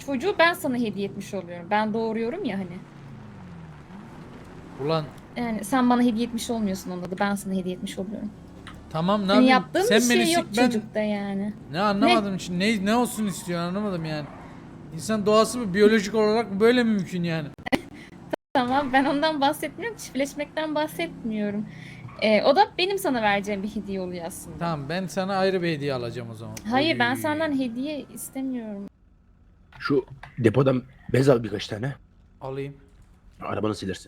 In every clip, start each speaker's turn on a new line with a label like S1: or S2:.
S1: çocuğu ben sana hediye etmiş oluyorum. Ben doğuruyorum ya hani.
S2: Ulan
S1: Yani sen bana hediye etmiş olmuyorsun onda da ben sana hediye etmiş oluyorum.
S2: tamam ne
S1: Senin
S2: yapayım?
S1: yaptığın bir
S2: Sen beni
S1: şey yok
S2: sik ben
S1: çocukta yani.
S2: ne anlamadım şimdi ne olsun istiyorsun anlamadım yani. İnsan doğası mı biyolojik olarak böyle mi mümkün yani?
S1: Tamam ben ondan bahsetmiyorum. Çiftleşmekten bahsetmiyorum. O da benim sana vereceğim bir hediye oluyor aslında.
S2: Tamam ben sana ayrı bir hediye alacağım o zaman.
S1: Hayır ben
S2: Oy.
S1: senden hediye istemiyorum.
S3: Şu depodan bez al birkaç tane.
S2: Alayım.
S3: Arabanı silersin.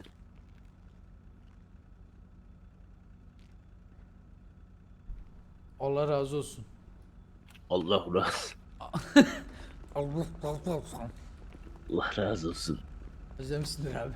S2: Allah razı olsun.
S3: Allah razı.
S2: Allah razı olsun.
S3: Allah razı olsun.
S2: Özlemişsindir abi.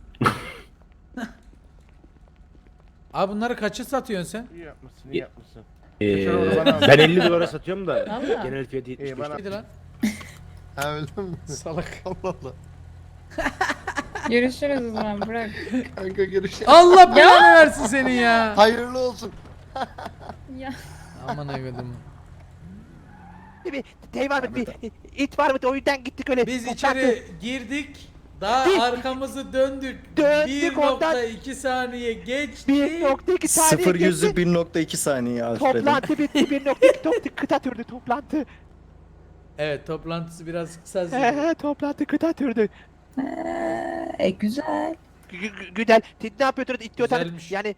S2: Abi bunları kaça satıyorsun sen?
S4: İyi yapmışsın, iyi yapmışsın.
S3: Ben 50 dolara satıyorum da
S1: Valla.
S3: genel fiyatı 75
S4: bana-
S3: lira.
S2: Neydi lan?
S4: Ha öyle mi?
S2: Salak.
S4: Allah Allah.
S1: Görüşürüz o zaman bırak.
S4: Kanka görüşelim.
S2: Allah belanı versin senin ya.
S4: Hayırlı olsun.
S1: Ya.
S2: Aman evladım.
S5: Bir şey var mı? Bir it var mı? O yüzden gittik öyle.
S2: Biz
S5: toplantı.
S2: içeri girdik. Daha
S5: Dik.
S2: arkamızı döndük.
S5: Döndük, ondan-
S2: 1.2 saniye geçti.
S5: 1.2 saniye
S6: 0
S5: geçti.
S6: yüzü 1.2 saniye Alfred'in.
S5: Toplantı bitti. 1.2 kıta türdü toplantı.
S2: Evet toplantısı biraz kısa sürdü.
S5: Toplantı kıta türdü.
S7: Güzel.
S5: Güzel. Siz ne yapıyordunuz? İstiyorsanız
S2: Güzelmiş.
S5: yani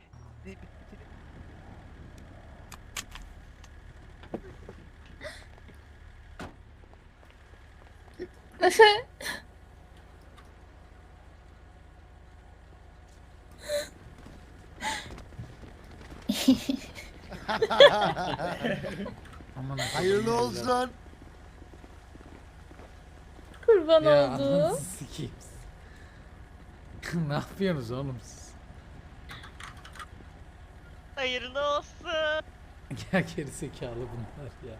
S2: Aman
S4: Hayırlı olsun.
S1: Kurban
S2: ya
S1: oldu.
S2: ananızı sikeyim. Ne yapıyorsunuz oğlum siz?
S8: Hayırlı olsun.
S2: Ya gerizekalı bunlar ya.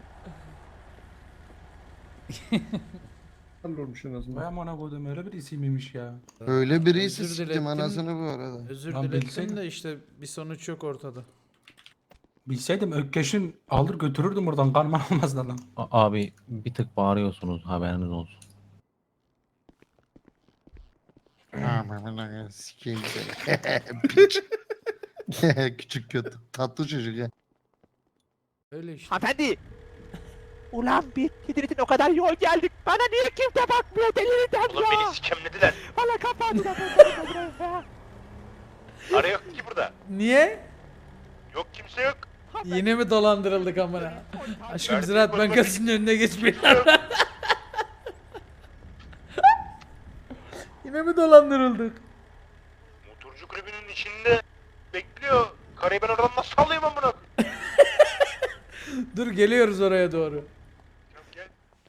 S9: Olmuş en azından. Ben ona koydum öyle birisi miymiş ya?
S4: Öyle birisi
S2: Özür
S4: siktim
S2: dilettim.
S4: anasını bu arada.
S2: Özür
S9: Lan
S2: dilerim
S9: bilseydim.
S2: de işte bir sonuç yok ortada.
S9: Bilseydim Ökkeş'in alır götürürdüm oradan karman olmazdı lan.
S10: Abi bir tık bağırıyorsunuz haberiniz olsun.
S4: Aman sikeyim seni. Piç. Küçük kötü. Tatlı çocuk ya.
S2: Öyle işte.
S5: hanımefendi. Ulan bir Hidret'in o kadar yol geldik. Bana niye kimse bakmıyor delireceğim
S3: Oğlum
S5: ya.
S3: beni sikemlediler.
S5: Bana kapandı.
S3: Ara yok ki burada.
S2: Niye?
S3: Yok kimse yok.
S2: Yine mi dolandırıldık amına? Aşkım
S3: Verdiğin
S2: Ziraat
S3: konuda
S2: Bankası'nın önüne geçmeyin. Yine mi dolandırıldık?
S3: Motorcu kulübünün içinde bekliyor. Karayı ben oradan nasıl sallayayım amına?
S2: Dur geliyoruz oraya doğru.
S3: Gel.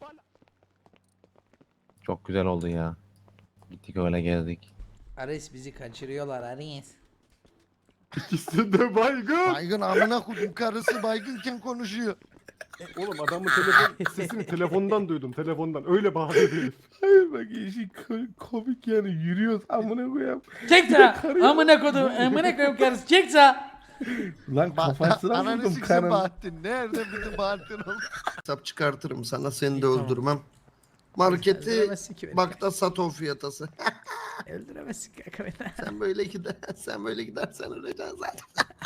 S10: Çok güzel oldu ya. Gittik öyle gezdik.
S2: Ares bizi kaçırıyorlar Ares.
S9: İkisi de baygın.
S4: Baygın amına koydum karısı baygınken konuşuyor.
S9: Oğlum adamın telefon sesini telefondan duydum telefondan. Öyle bağırıyor herif. Hayır bak işi komik yani yürüyoruz amına koyayım.
S2: Çek sağa! Amına kodum, amına koyayım karısı çek sağa!
S9: Lan kafasına
S4: Ananı
S9: vurdum
S4: siksin
S9: karın.
S4: Bahattin. Nerede bizim Bahattin oldu? Hesap çıkartırım sana seni de öldürmem. Marketi
S2: Öldüremezsin ki beni.
S4: bak da sat o fiyatası.
S2: Öldüremezsin kanka beni.
S4: Sen böyle gidersen öleceksin zaten.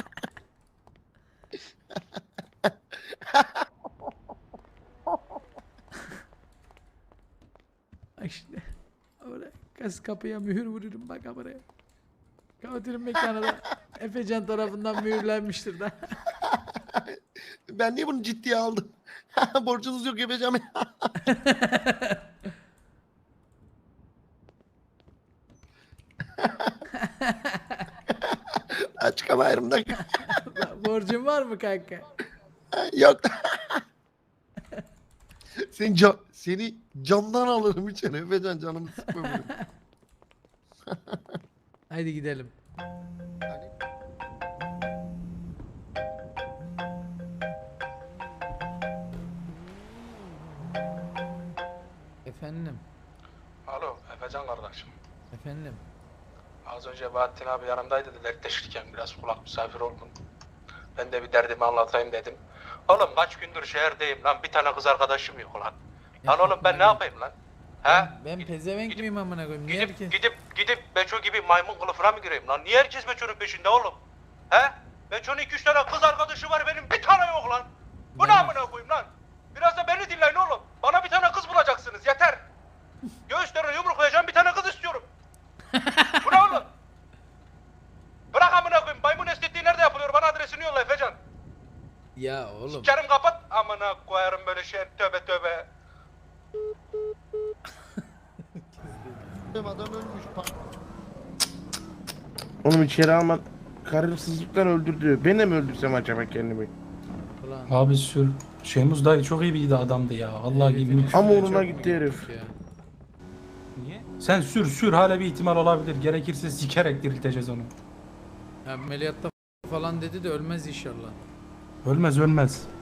S2: Bak şimdi. Oraya gaz kapıya mühür vururum bak buraya. Kapatırım mekanı da. Efecan tarafından mühürlenmiştir da.
S4: Ben niye bunu ciddiye aldım? Borcunuz yok yapacağım. Açık ama ayrımda.
S2: Borcun var mı kanka?
S4: Yok. Seni camdan alırım içeri. Efecan canımı sıkma benim.
S2: Haydi gidelim. Efendim,
S11: Alo, Efecan kardeşim.
S2: efendim.
S11: Az önce Bahattin abi yanımdaydı da dertleşirken biraz kulak misafir oldum. Ben de bir derdimi anlatayım dedim. Oğlum kaç gündür şehirdeyim lan, bir tane kız arkadaşım yok lan. Lan oğlum ben ne yapayım lan? He?
S2: Ben pezevenk miyim amına koyayım? Niye herkes...
S11: Gidip Beço gibi maymun kılıfına mı gireyim lan? Niye herkes Beço'nun peşinde oğlum? He? Beço'nun 2-3 tane kız arkadaşı var, benim bir tane yok lan. Bu ne amına koyayım lan? Biraz da beni dinleyin oğlum. Bana bir tane kız bulacaksınız, yeter. Göğüslerine yumruklayacağım bir tane kız istiyorum. Bu ne oğlum? Bırak amına koyayım, maymun estetiği nerede yapılıyor? Bana adresini yolla Efecan.
S2: Ya oğlum.
S11: Sikerim kapat. Amına koyarım böyle şey, tövbe tövbe.
S4: Adam ölmüş.
S9: Oğlum içeri alma. Karırsızlıktan öldürdü. Ben de mi öldürsem acaba kendimi?
S2: Ulan.
S7: Abi sür. Şeymuz dayı çok iyi bir adamdı ya. Vallahi
S2: Herifin
S7: gibi.
S2: üstüne
S9: Ama
S2: çok
S9: uğruna
S2: mu
S9: gitti herif.
S2: gittik ya?
S7: Niye? Sen sür hala bir ihtimal olabilir. Gerekirse sikerek dirilteceğiz onu.
S2: Ameliyatta falan dedi de ölmez inşallah.
S7: Ölmez.